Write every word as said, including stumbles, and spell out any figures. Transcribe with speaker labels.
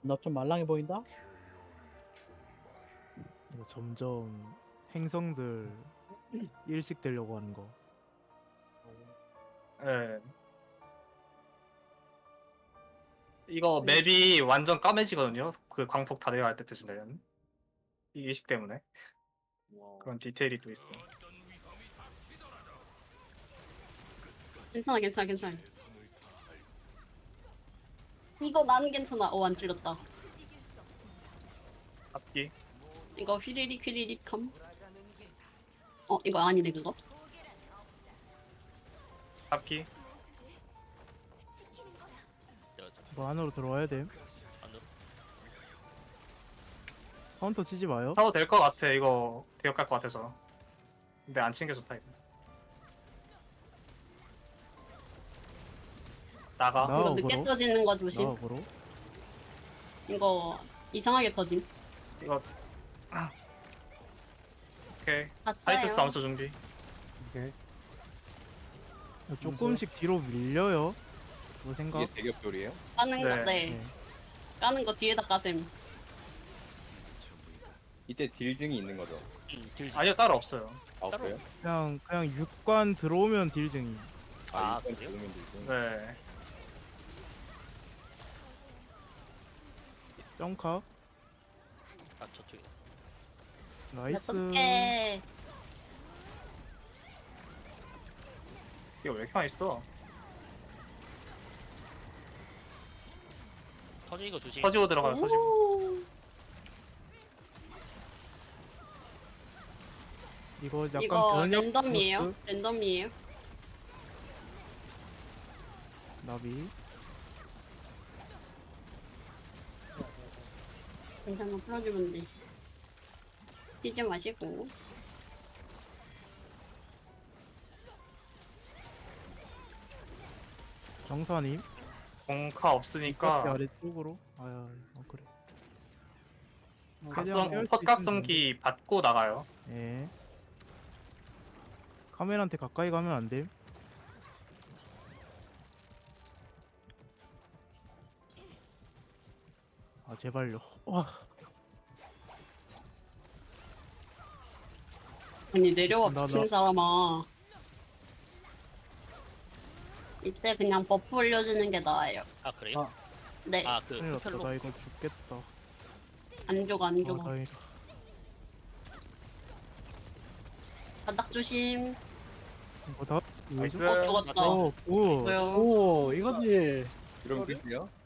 Speaker 1: 너 좀 말랑해 보인다?
Speaker 2: 이거 점점 행성들 일식 되려고 하는 거.
Speaker 3: 예. 이거 맵이 완전 까매지거든요. 그 광폭 다 내려갈 때쯤 되면. 이 의식 때문에. 그런 디테일이 또 있어.
Speaker 4: 괜찮아, 괜찮아, 괜찮아. 이거 나는 괜찮아. 어, 안 찔렸다.
Speaker 3: 앞기.
Speaker 4: 이거 휘리릭 휘리릭 함. 어, 이거 아니네, 그거.
Speaker 3: 앞기.
Speaker 2: 뭐 안으로 들어와야 돼.
Speaker 5: 안으로.
Speaker 2: 카운터 치지 마요.
Speaker 3: 하도 될 것 같아. 이거 대역할 것 같아서. 근데 안 친 게 좋다 이거. 나가.
Speaker 2: 나-
Speaker 4: 이거
Speaker 2: 아,
Speaker 4: 늦게
Speaker 2: 그럼?
Speaker 4: 터지는 거 조심.
Speaker 2: 나와보러.
Speaker 4: 이거 이상하게 터짐.
Speaker 3: 이거. 오케이.
Speaker 4: 봤어요.
Speaker 3: 하이투스 암수 준비.
Speaker 1: 오케이.
Speaker 2: 조금씩 뒤로 밀려요. 그거 생각.
Speaker 6: 이게 대격돌이에요?
Speaker 4: 까는 거,
Speaker 3: 네.
Speaker 4: 네.
Speaker 2: 네.
Speaker 4: 까는 거 뒤에다 까셈.
Speaker 6: 이때 딜증이 있는 거죠?
Speaker 5: 음, 딜.
Speaker 3: 아니요 따로 없어요.
Speaker 6: 아, 없어요?
Speaker 2: 그냥 그냥 육관 들어오면 딜증이.
Speaker 5: 아,
Speaker 6: 이건
Speaker 5: 그래요?
Speaker 6: 들어오면 딜증.
Speaker 3: 네.
Speaker 2: 점카.
Speaker 5: 아, 저쪽에.
Speaker 2: 나이스.
Speaker 4: 여섯 개.
Speaker 3: 이거 왜 이렇게 많이 있어?
Speaker 5: 터지는 거 조심.
Speaker 3: 터지고 들어가요. 터지고.
Speaker 4: 오.
Speaker 2: 이거 약간
Speaker 4: 이거
Speaker 2: 변형
Speaker 4: 랜덤이에요?
Speaker 2: 모드?
Speaker 4: 랜덤이에요?
Speaker 2: 나비.
Speaker 4: 괜찮아, 풀어주면 돼. 뛰지 마시고.
Speaker 2: 정사님.
Speaker 3: 공카 없으니까
Speaker 2: 아래쪽으로. 아야, 어 그래.
Speaker 3: 각성
Speaker 2: 깰수
Speaker 3: 헛각성기 받고 나가요.
Speaker 2: 예. 카메라한테 가까이 가면 안 돼. 아 제발요. 와.
Speaker 4: 아니, 내려와,
Speaker 2: 나,
Speaker 4: 미친
Speaker 2: 나.
Speaker 4: 사람아. 이때 그냥 버프 올려주는 게 나아요.
Speaker 5: 아, 그래요?
Speaker 1: 아.
Speaker 4: 네,
Speaker 5: 아, 그
Speaker 2: 큰일 났다.
Speaker 5: 흡혈로.
Speaker 2: 나 이거 죽겠다.
Speaker 4: 안 죽어, 안
Speaker 2: 아
Speaker 4: 죽어.
Speaker 2: 다행이다.
Speaker 4: 바닥 조심.
Speaker 2: 이거 다.
Speaker 3: 나이스.
Speaker 4: 어, 죽었다.
Speaker 2: 어, 오.
Speaker 4: 뭐요?
Speaker 1: 오, 이거지.
Speaker 6: 이러면 끝이요?